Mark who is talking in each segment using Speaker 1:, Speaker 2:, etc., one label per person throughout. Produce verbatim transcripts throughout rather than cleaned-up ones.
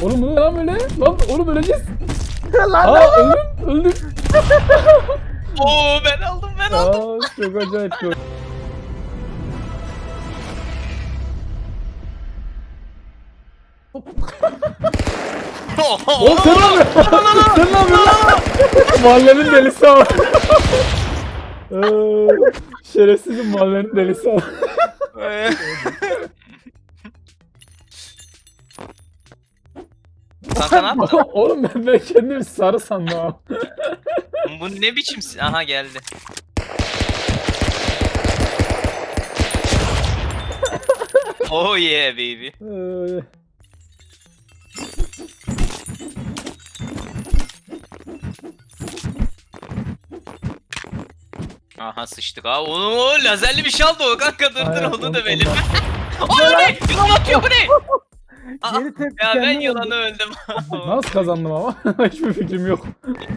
Speaker 1: Oğlum bu ne lan böyle? Lan oğlum öleceğiz.
Speaker 2: Lan
Speaker 1: Aa öldüm öldüm.
Speaker 3: Oo ben aldım ben aldım.
Speaker 1: Aa çok acayip çok. Oğlum sen ne yapıyorsun? Sen ne yapıyorsun lan? Mahallenin delisi ama. Ee, Şerefsizim mahallenin delisi ama.
Speaker 3: Kanka ne yaptın?
Speaker 1: Oğlum ben, ben kendimi sarı sandım abi.
Speaker 3: Bu ne biçim? si- Aha geldi. Oh yeah baby.
Speaker 1: Ee,
Speaker 3: Aha sıçtık ha. Onu o lazerli bir şey aldı o kanka dur dur
Speaker 1: aynen,
Speaker 3: onu
Speaker 1: onu-
Speaker 3: da verelim.
Speaker 1: ondan-
Speaker 3: O ne? Yılan atıyor bu ne? Aa,
Speaker 2: Geri tepki
Speaker 3: ya ben
Speaker 2: kendine
Speaker 3: yılanı
Speaker 2: oldu.
Speaker 3: öldüm.
Speaker 1: Nasıl kazandım ama? Hiçbir fikrim yok.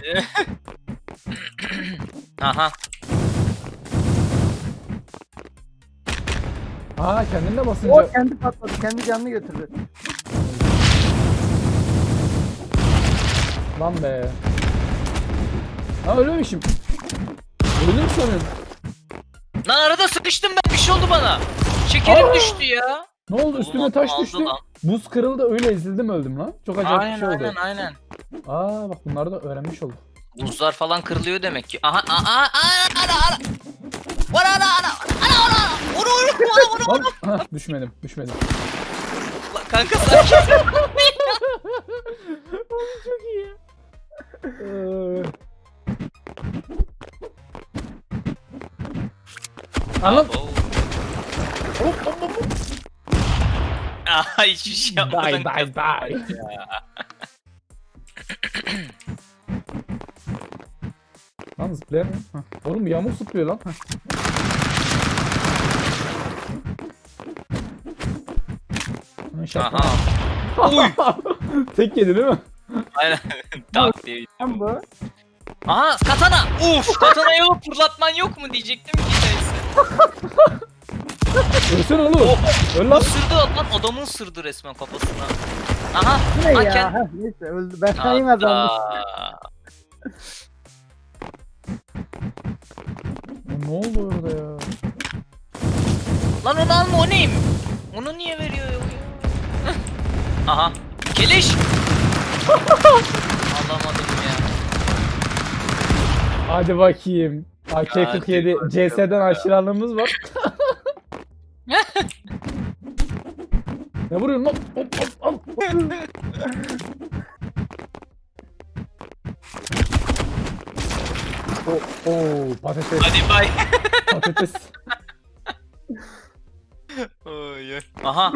Speaker 3: Aha.
Speaker 1: Aa kendine basınca.
Speaker 2: O kendi patladı. Kendi canını götürdü.
Speaker 1: Lan be. Ha ölmemişim. Öldüm sanıyorum.
Speaker 3: Lan arada sıkıştım ben bir şey oldu bana. Şekerim
Speaker 1: Aa!
Speaker 3: düştü ya.
Speaker 1: Ne oldu üstüme
Speaker 3: Oğlum,
Speaker 1: taş
Speaker 3: aldı
Speaker 1: düştü.
Speaker 3: lan.
Speaker 1: Buz kırıldı öyle ezildim öldüm lan. Çok acayip bir
Speaker 3: Aynen
Speaker 1: şey oldu.
Speaker 3: aynen aynen.
Speaker 1: Aa bak bunları da öğrenmiş olduk.
Speaker 3: Buzlar falan kırılıyor demek ki. Aha aha aha ana ana. Ana ana ana ana ana. Vur vur vur vur.
Speaker 1: Lan ha, düşmedim düşmedim.
Speaker 3: Lan kanka sakin.
Speaker 1: Çok iyi. Ee... Anam.
Speaker 3: Oo.
Speaker 1: Hop hop hop.
Speaker 3: Aha hiçbir şey yapmadın.
Speaker 1: Bye bye bye. Lan zıplayan mı? Hah. Oğlum yağmur zıplıyor lan. Hah. Lan şaka.
Speaker 3: Aha. Uy.
Speaker 1: Tek yedi değil mi?
Speaker 3: Aynen. Tak diye.
Speaker 2: Lan bu.
Speaker 3: Aha katana. Uf katana yok fırlatman yok mu diyecektim ki neyse.
Speaker 1: Ölsene oğlum.
Speaker 3: Oh.
Speaker 1: Öl lan.
Speaker 3: Isırdı lan adamın ısırdı resmen kafasına. Aha.
Speaker 2: Bu ne
Speaker 3: Ha,
Speaker 2: ya?
Speaker 3: kend-
Speaker 2: Heh, neyse öldü. Ben sayayım adamı.
Speaker 3: Hatta.
Speaker 1: Ne oldu orada ya?
Speaker 3: Lan onu alma o neyim? Onu niye veriyor ya? Aha. Keleş. Alamadım ya.
Speaker 1: Hadi bakayım. A K kırk yedi
Speaker 3: Hadi
Speaker 1: C S'den aşırılığımız var. Ne vuruyorsun lan? Hop hop hop. Oh, oh, patates,
Speaker 3: Hadi bay.
Speaker 1: patates.
Speaker 3: Oy, oy. Aha.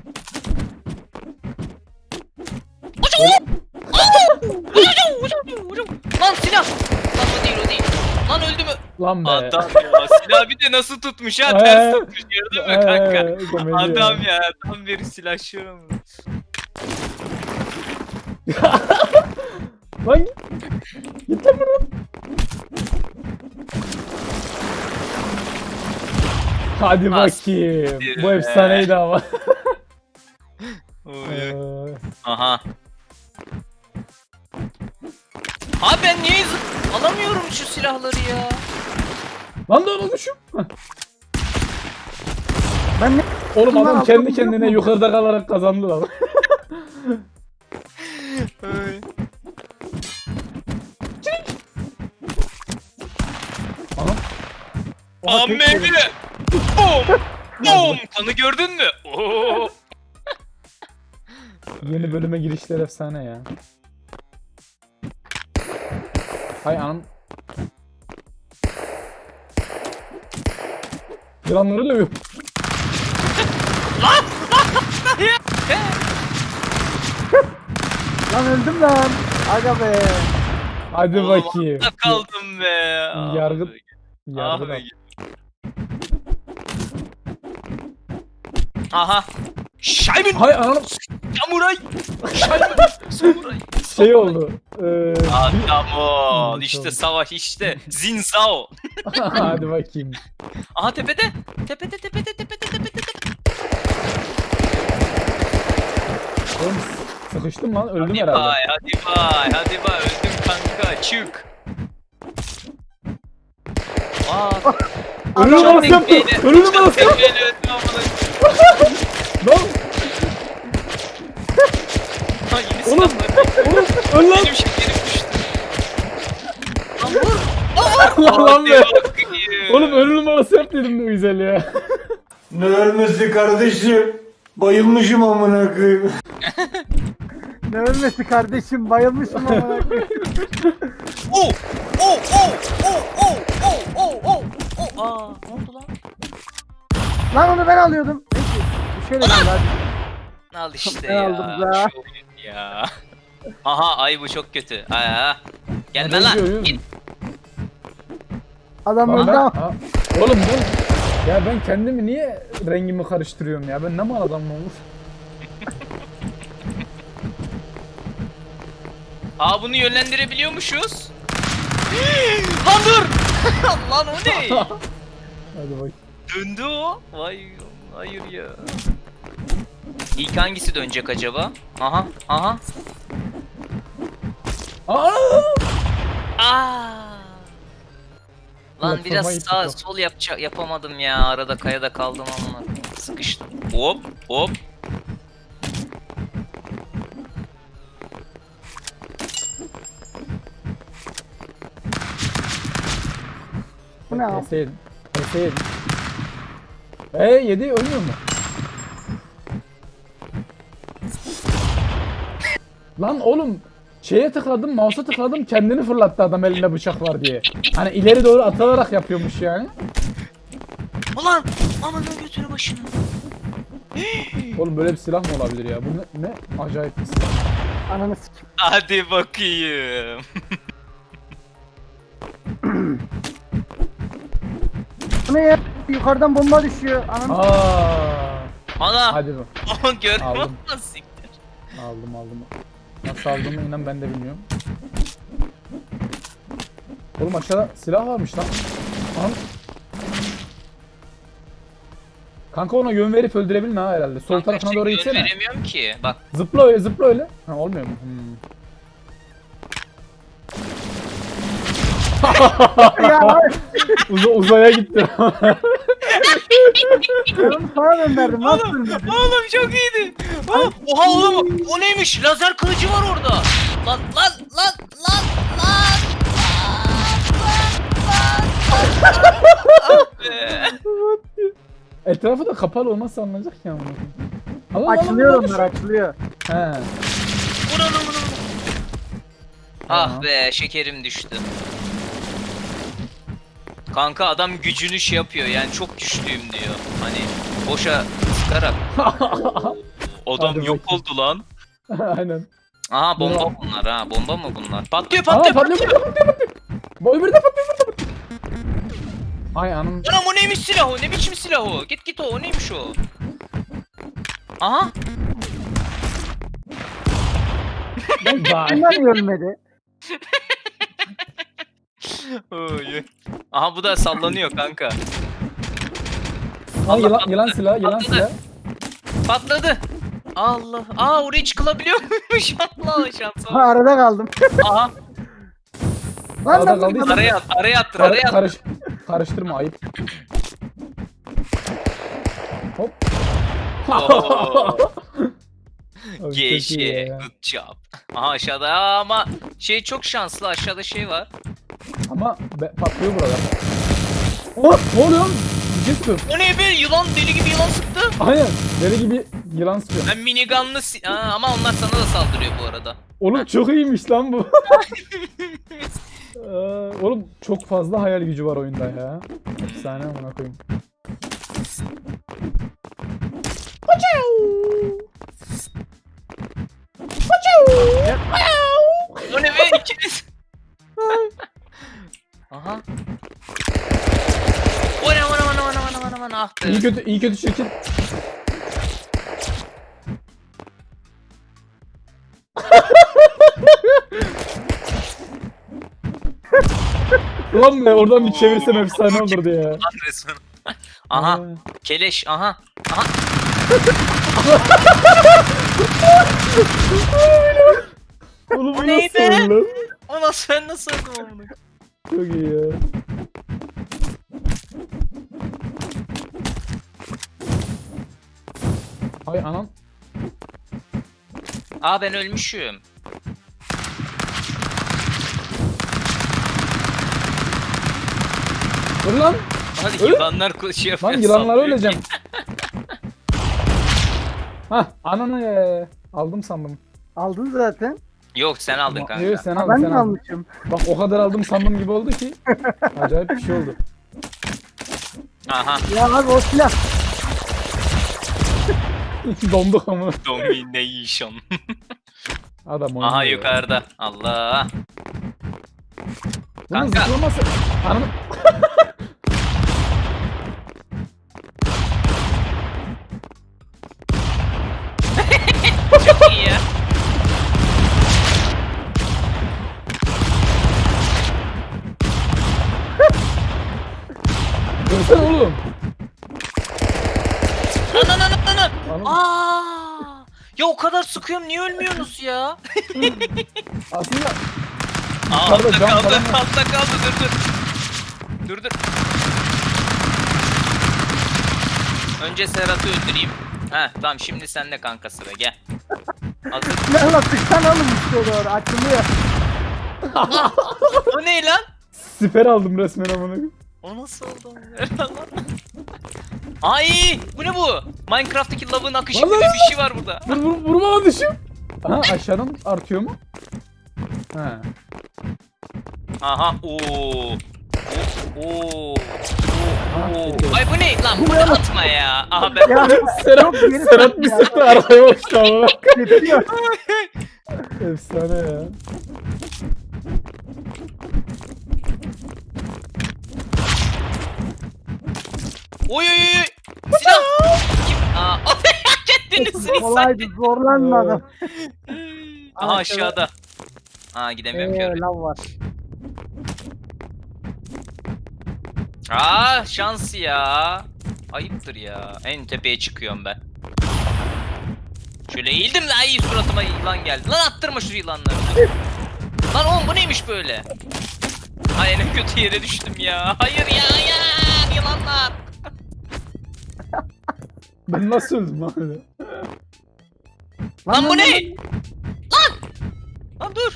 Speaker 3: Lan silah. Lan o değil o değil. Lan öldü mü?
Speaker 1: Lan be.
Speaker 3: Adam ya silah bir de nasıl tutmuş ha ters tutmuş gördün mü kanka?
Speaker 1: Ee, komedi
Speaker 3: Adam ya tam bir silahşıyorum.
Speaker 1: Lan git. Git lan buradan. Hadi
Speaker 3: As-
Speaker 1: bakayım.
Speaker 3: bir
Speaker 1: Bu
Speaker 3: be.
Speaker 1: efsaneydi ama.
Speaker 3: Oy.
Speaker 1: Ee,
Speaker 3: Aha. Abi ben niye zı- alamıyorum şu silahları ya?
Speaker 1: Lan da unutmuşum. Hah.
Speaker 2: Ben ne?
Speaker 1: Oğlum
Speaker 2: Bunlar
Speaker 1: adam
Speaker 2: aldı,
Speaker 1: kendi
Speaker 2: biliyor
Speaker 1: kendine
Speaker 2: musun?
Speaker 1: yukarıda kalarak kazandı lan.
Speaker 3: Oy.
Speaker 1: Aha.
Speaker 2: Oha, tek
Speaker 3: Ameli.
Speaker 2: yedim.
Speaker 3: Bum. Bum. Kanı gördün mü? Oo.
Speaker 1: Yeni bölüme girişler efsane ya. Hay anam. Yılanları dövüyor.
Speaker 2: Lan öldüm lan. Aga be.
Speaker 1: Hadi
Speaker 3: Oğlum,
Speaker 1: bakayım.
Speaker 3: altta kaldım be.
Speaker 1: Yargı-
Speaker 3: Abi.
Speaker 1: Yargı da.
Speaker 3: Abi. Aha. Şaybin.
Speaker 1: Hay anam.
Speaker 3: Samuray. Şaybin. Samuray.
Speaker 1: Şey oldu. Ee,
Speaker 3: Adam ol.
Speaker 1: Bir-
Speaker 3: İşte savaş işte. Zinzao.
Speaker 1: Hadi bakayım.
Speaker 3: Aha tepede. Tepede tepede tepede tepede tepede.
Speaker 1: Oğlum Sıkıştım lan öldüm
Speaker 3: Hadi
Speaker 1: herhalde.
Speaker 3: bay, hadi bay, hadi bay. Öldüm kanka, çık. Aa,
Speaker 1: Ölü
Speaker 3: çok
Speaker 1: numarası yaptı.
Speaker 3: tekmeyle-
Speaker 1: Ölü
Speaker 3: çok
Speaker 1: numarası yaptı.
Speaker 3: tekmeyle öldüm amına.
Speaker 1: Lan
Speaker 3: Ha, yeni
Speaker 1: oğlum.
Speaker 3: silahlar.
Speaker 1: Oğlum öl lan.
Speaker 3: Benim şekerim düştü. Lan vur.
Speaker 1: Lan lan be.
Speaker 3: Hadi bakayım.
Speaker 1: Oğlum ölü numarası yap dedim ne güzel ya.
Speaker 4: Ne ölmesi kardeşim? Bayılmışım amına koyayım.
Speaker 2: Ne ölmesi kardeşim, bayılmışım ama.
Speaker 3: Oh! Oh! Oh! Oh! Oh! Oh! Oh! Oh! Oh! Aa, ne oldu lan?
Speaker 2: Lan onu ben alıyordum. Neyse. Bir şey de değil hadi.
Speaker 3: Al işte
Speaker 2: Ben
Speaker 3: ya.
Speaker 2: aldım ya.
Speaker 3: Şu oyun ya. Aha, ay bu çok kötü. Aa. Gelme
Speaker 1: Hadi
Speaker 3: lan.
Speaker 1: oyun.
Speaker 3: Git.
Speaker 2: Adam
Speaker 1: Lan
Speaker 2: öldü
Speaker 1: ben,
Speaker 2: ama.
Speaker 1: ha, oğlum ben ya ben kendimi niye rengimi karıştırıyorum ya? Ben ne mal adamım olur?
Speaker 3: Aa, bunu yönlendirebiliyormuşuz. Lan dur. Lan o ne?
Speaker 1: Hadi bak.
Speaker 3: Döndü o. Vay, hayır ya. İlk hangisi dönecek acaba? Aha, aha.
Speaker 1: Aa!
Speaker 3: Aa. Lan
Speaker 1: Platforma
Speaker 3: biraz
Speaker 1: gittik
Speaker 3: sağ
Speaker 1: o.
Speaker 3: sol yapacak yapamadım ya. Arada kayada kaldım ama sıkıştım. Hop hop.
Speaker 2: Bu ne abi?
Speaker 1: Keseydin. Keseydin. Eee yedi ölmüyor mu? Lan oğlum şeye tıkladım, mouse'a tıkladım kendini fırlattı adam elinde bıçak var diye. Hani ileri doğru atılarak yapıyormuş yani.
Speaker 3: Ulan aman götürü başını.
Speaker 1: Oğlum böyle bir silah mı olabilir ya? Bu ne, ne acayip bir silah.
Speaker 2: Ananı sikim.
Speaker 3: Hadi bakayım.
Speaker 2: Bu ne ya? Yukarıdan bomba düşüyor. Ananı
Speaker 1: Aa,
Speaker 3: Ana.
Speaker 1: hadi bu.
Speaker 3: Aman görmüyor
Speaker 1: Aldım.
Speaker 3: musun siktir?
Speaker 1: Aldım aldım. Nasıl aldığımı inan ben de bilmiyorum. Oğlum aşağıda silah varmış lan. Lan. Kanka ona yön verip öldürebilin ha herhalde. Sol tarafına doğru
Speaker 3: Yön
Speaker 1: gitsene.
Speaker 3: veremiyorum ki. Bak.
Speaker 1: Zıpla öyle zıpla öyle. Ha olmuyor mu? Hmm.
Speaker 2: ya.
Speaker 1: Uza, uzaya gitti.
Speaker 2: Ben onu sana gönderdim. Nasıl ölmedi?
Speaker 3: Oğlum çok iyiydi. Ha, oha oğlum o neymiş? Lazer kılıcı var orada. Lan lan lan lan lan. Ah be.
Speaker 1: Etrafı da kapalı olmazsa anlayacak ya bunu. Al, al, al,
Speaker 2: Açılıyor
Speaker 1: al, al.
Speaker 2: onlar, açılıyor.
Speaker 1: He.
Speaker 3: Vur onu vur onu. Ah be şekerim düştü. Kanka adam gücünü şey yapıyor yani çok güçlüyüm diyor. Hani boşa sıkarak. Adam
Speaker 1: Hadi
Speaker 3: yok
Speaker 1: bakayım.
Speaker 3: oldu lan.
Speaker 1: Aynen.
Speaker 3: Aha bomba
Speaker 1: Bravo.
Speaker 3: bunlar ha bomba mı bunlar? Patlıyor
Speaker 1: Aa
Speaker 3: patlıyor
Speaker 1: patlıyor
Speaker 3: patlıyor.
Speaker 1: patlıyor patlıyor. Bu öbürü de patlıyor öbürü de patlıyor. Ay anam.
Speaker 3: Anam o neymiş silah o ne biçim silah o? Git git o o neymiş o? Aha.
Speaker 1: Bye.
Speaker 2: Bunlar niye ölmedi?
Speaker 3: Oy. Aha bu da sallanıyor kanka.
Speaker 1: Aa, yılan,
Speaker 3: patladı.
Speaker 1: yılan silah, yılan
Speaker 3: Patladı.
Speaker 1: silah.
Speaker 3: Patladı. Allah. Aa oraya çıkılabiliyor muymuş? Allah şansa.
Speaker 2: Ha, arada kaldım.
Speaker 3: Aha.
Speaker 2: Lan
Speaker 1: Arada
Speaker 2: lan
Speaker 1: kaldıysa-
Speaker 2: lan.
Speaker 3: Araya at, araya attır,
Speaker 1: Kar-
Speaker 3: araya at.
Speaker 1: karış, karıştırma ayıp. Hop.
Speaker 3: Oo.
Speaker 1: Abi, çok iyi
Speaker 3: Geçe.
Speaker 1: ya.
Speaker 3: Good job. Aha aşağıda Aa, ama şey çok şanslı aşağıda şey var.
Speaker 1: Ama be, patlıyor buralar. Oh, ne oluyor? Bir şey sıkıyor.
Speaker 3: O ne be yılan deli gibi yılan sıktı.
Speaker 1: Aynen. Deli gibi yılan sıkıyor.
Speaker 3: Ben minigunlı si- Aa, ama onlar sana da saldırıyor bu arada.
Speaker 1: Oğlum çok iyiymiş lan bu. Ee, Oğlum çok fazla hayal gücü var oyunda ya. Efsane amına koyayım.
Speaker 3: O ne be ikiniz. Aha. O ne aman aman aman aman aman aman ah be.
Speaker 1: İyi kötü iyi kötü çirkin. Ulan be oradan bir çevirsem efsane olurdu ya.
Speaker 3: Lan resmen. Aha. Keleş aha. Aha.
Speaker 1: Oğlum bu
Speaker 3: O neydi?
Speaker 1: nasıl lan?
Speaker 3: O nasıl ben nasıl öldüm amına?
Speaker 1: Çok iyi ya. Ay anam.
Speaker 3: Aa ben ölmüşüm.
Speaker 1: Dur lan.
Speaker 3: Hadi
Speaker 1: Öl.
Speaker 3: yılanlar koşuyor.
Speaker 1: Lan
Speaker 3: falan
Speaker 1: yılanlara
Speaker 3: sallıyor
Speaker 1: öleceğim.
Speaker 3: ki.
Speaker 1: Hah ananı ya. Aldım sandım.
Speaker 2: Aldın zaten.
Speaker 3: Yok sen aldın kanka.
Speaker 1: Evet sen
Speaker 2: Ha,
Speaker 1: aldın
Speaker 2: ben
Speaker 1: sen
Speaker 2: mi
Speaker 1: aldın.
Speaker 2: almışım?
Speaker 1: Bak o kadar aldım sandım gibi oldu ki. Acayip bir şey oldu.
Speaker 3: Aha.
Speaker 2: Ya abi o silah.
Speaker 1: Donduk ama.
Speaker 3: Domination.
Speaker 1: Adam oynuyor.
Speaker 3: Aha
Speaker 1: ya.
Speaker 3: yukarıda. Allah.
Speaker 1: Bunun
Speaker 3: Kanka.
Speaker 1: zıplaması. Ananı.
Speaker 3: Çok iyi ya.
Speaker 1: Görsene oğlum.
Speaker 3: Lan lan lan lan lan.
Speaker 1: Anam.
Speaker 3: Aa! Ya o kadar sıkıyorum niye ölmüyorsunuz ya?
Speaker 1: Aslında
Speaker 3: Aa
Speaker 1: Yukarıda
Speaker 3: altta
Speaker 1: cam
Speaker 3: kaldı,
Speaker 1: falan var.
Speaker 3: altta kaldı dur dur. Dur dur. Önce Serhat'ı öldüreyim. Heh tamam şimdi sende kanka sıra gel. Hazır.
Speaker 2: Silahla tıksan oğlum işte o doğru. Açılıyor.
Speaker 3: O ne lan?
Speaker 1: siper aldım resmen amına.
Speaker 3: O nasıl oldu? Lan. Ay bu ne bu? Minecraft'taki lavın akışı
Speaker 1: Lan
Speaker 3: gibi
Speaker 1: lan
Speaker 3: bir şey var burada.
Speaker 1: Vur vur vurma lan düşüm. Aha aşağıdan artıyor mu? Ha.
Speaker 3: Aha ooo. Oo.
Speaker 1: Ha,
Speaker 3: Oo.
Speaker 1: peki.
Speaker 3: Ay bu ne lan? Bunu atma ya. Aha ben.
Speaker 2: Ya
Speaker 1: Serhat,
Speaker 2: geri
Speaker 1: Serhat bir
Speaker 2: ya.
Speaker 1: sıktı arkaya uçtu amına.
Speaker 2: tepkiyor.
Speaker 1: Efsane ya.
Speaker 3: Oy oy oy. Silah. Kim? Aa. Kendini
Speaker 2: Kolaydı zorlanmadım.
Speaker 3: Aha aşağıda. Aa gidemiyorum
Speaker 2: Eee
Speaker 3: ki.
Speaker 2: lav var.
Speaker 3: Aa şans ya. Ayıptır ya. En tepeye çıkıyorum ben. Şöyle eğildim de ay suratıma yılan geldi. Lan attırma şu yılanları. Lan oğlum bu neymiş böyle? Ay en kötü yere düştüm ya. Hayır ya ya yılanlar.
Speaker 1: Ben nasıl öldüm lan öyle?
Speaker 3: Lan bu ne? Lan! Lan dur.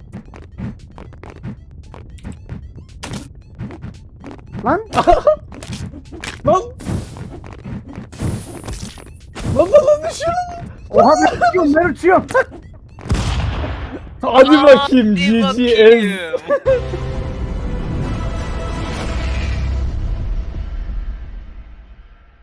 Speaker 2: Lan
Speaker 1: Lan! Lan lan lan düşüyor lan!
Speaker 2: oha ben uçuyorum ben uçuyorum.
Speaker 1: Hadi
Speaker 3: Aa,
Speaker 1: bakayım
Speaker 3: hadi
Speaker 1: G G ez.
Speaker 3: bakayım.